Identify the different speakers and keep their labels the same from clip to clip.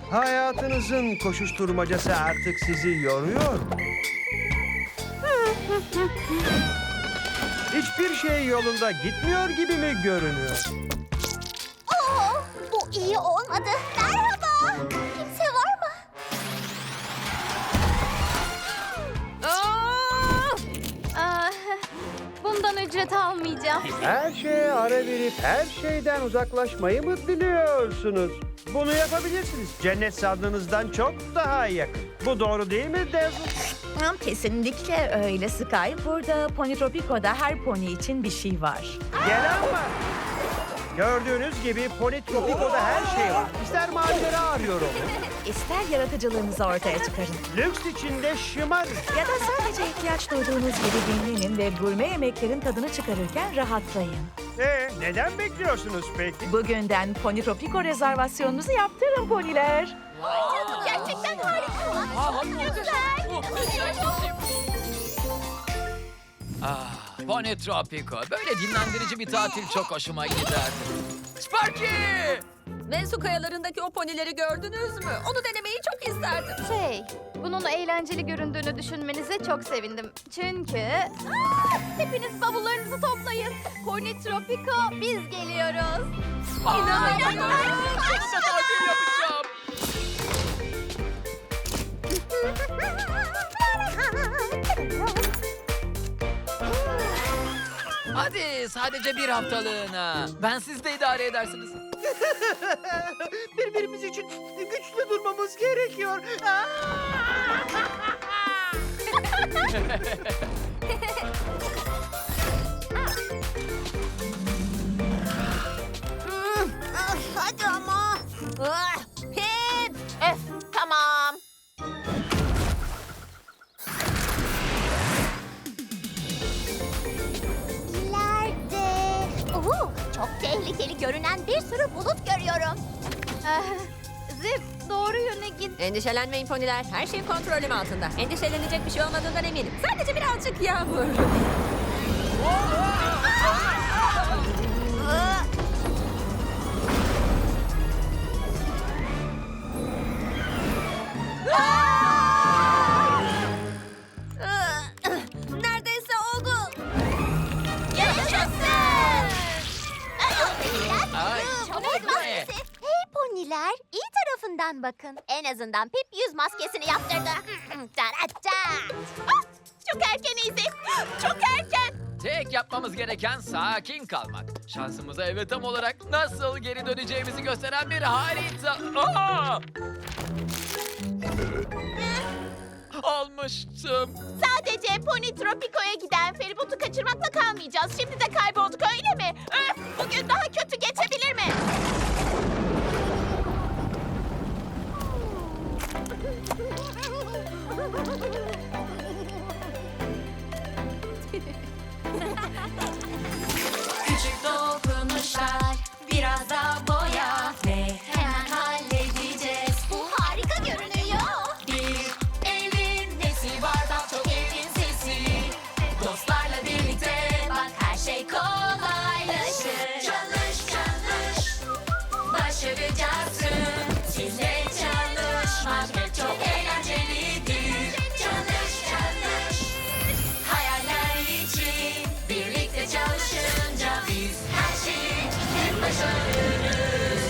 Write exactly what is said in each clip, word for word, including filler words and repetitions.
Speaker 1: Hayatınızın koşuşturmacası artık sizi yoruyor mu? Hiçbir şey yolunda gitmiyor gibi mi görünüyor?
Speaker 2: Oo, bu iyi olmadı. Merhaba. Kimse var mı?
Speaker 3: Ah, bundan ücret almayacağım.
Speaker 1: Her şeye ara verip her şeyden uzaklaşmayı mı diliyorsunuz? Bunu yapabilirsiniz. Cennet sandığınızdan çok daha yakın. Bu doğru değil mi Dazzle?
Speaker 4: Kesinlikle öyle Sky. Burada Ponytropico'da her pony için bir şey var.
Speaker 1: Gelen var. Gördüğünüz gibi Ponytropico'da her şey var. İster macera arıyor olun,
Speaker 4: İster yaratıcılığınızı ortaya çıkarın.
Speaker 1: lüks içinde şımarın.
Speaker 4: Ya da sadece ihtiyaç duyduğunuz gibi dinlenin ve gurme yemeklerin tadını çıkarırken rahatlayın.
Speaker 1: Ee, neden bekliyorsunuz peki?
Speaker 4: Bugünden Ponytropico rezervasyonunuzu yaptırın poniler.
Speaker 2: Gerçekten harika.
Speaker 5: Ah, Ponytropico. Böyle dinlendirici bir tatil çok hoşuma giderdi. Sparky!
Speaker 6: Ve su kayalarındaki o ponileri gördünüz mü? Onu denemeyi çok isterdim.
Speaker 3: Şey, bunun eğlenceli göründüğünü düşünmenize çok sevindim. Çünkü... Aa, hepiniz bavullarınızı toplayın. Pony Tropico, biz geliyoruz.
Speaker 5: İnanamıyorum. Sonunda tatil yapacağım. Hadi sadece bir haftalığına. Ben siz de idare edersiniz.
Speaker 1: Birbirimiz için güçlü durmamız gerekiyor.
Speaker 2: Hadi ama. Ah, Pip. Öf, tamam. İleride. Oo, çok tehlikeli görünen bir sürü bulut görüyorum.
Speaker 3: Ah, Zip, doğru yöne git.
Speaker 6: Endişelenmeyin poniler. Her şey kontrolüm altında. Endişelenecek bir şey olmadığından eminim. Sadece birazcık yağmur. Neredeyse oldu.
Speaker 2: Yaşasın.
Speaker 5: Ay,
Speaker 2: Çok
Speaker 5: ne?
Speaker 2: maskesi. Hey poniler, iyi tarafından bakın. En azından Pip yüz maskesini yaptırdı. Taratta. Ah, Çok erken Izzy. Çok erken.
Speaker 5: Tek yapmamız gereken sakin kalmak. Şansımıza evet tam olarak nasıl geri döneceğimizi gösteren bir harita. Aa! Almıştım.
Speaker 2: Sadece Pony Tropico'ya giden feribotu kaçırmakla kalmayacağız. Şimdi de kaybolduk öyle mi? Öf, bugün daha kötü geçebilir mi?
Speaker 7: Küçük dokunuşlar, biraz da boya ve hemen halledeceğiz.
Speaker 2: Bu harika görünüyor.
Speaker 7: Bir evin nesi var da çok evin sesi. Dostlarla birlikte bak her şey kolaylaşır. Çalış çalış, başaracaksın. Sizle çalışmak hep çok eğlencelidir. Çalış çalış, hayaller için birlikte çalışınca biz her şeyi hep başarırız.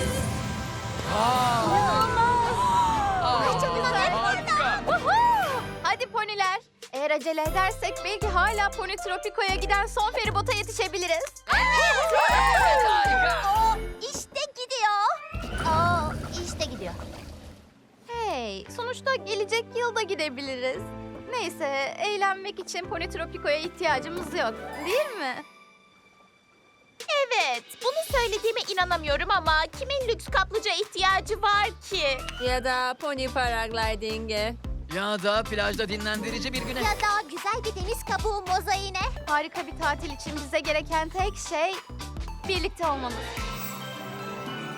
Speaker 5: Aa,
Speaker 2: çok güzel.
Speaker 5: harika.
Speaker 3: Woohoo! Hadi poniler. Eğer acele edersek belki hala Pony Tropico'ya giden son feribota yetişebiliriz.
Speaker 5: Evet, harika.
Speaker 2: O işte gidiyor. O işte gidiyor.
Speaker 3: Hey, sonuçta gelecek yılda gidebiliriz. Neyse, eğlenmek için Pony Tropico'ya ihtiyacımız yok, değil mi?
Speaker 2: Evet, bunu söylediğime inanamıyorum ama kimin lüks kaplıca ihtiyacı var ki?
Speaker 6: Ya da pony paragliding'e.
Speaker 5: Ya da plajda dinlendirici bir güne.
Speaker 2: Ya da güzel bir deniz kabuğu mozaiğine.
Speaker 3: Harika bir tatil için bize gereken tek şey birlikte olmamız.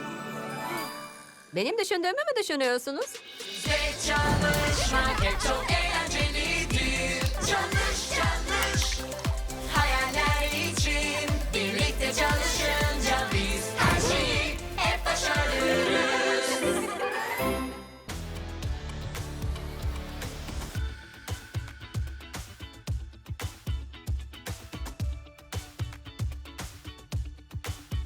Speaker 6: Benim düşündüğümü mü düşünüyorsunuz?
Speaker 7: Ve çalışmak hep çok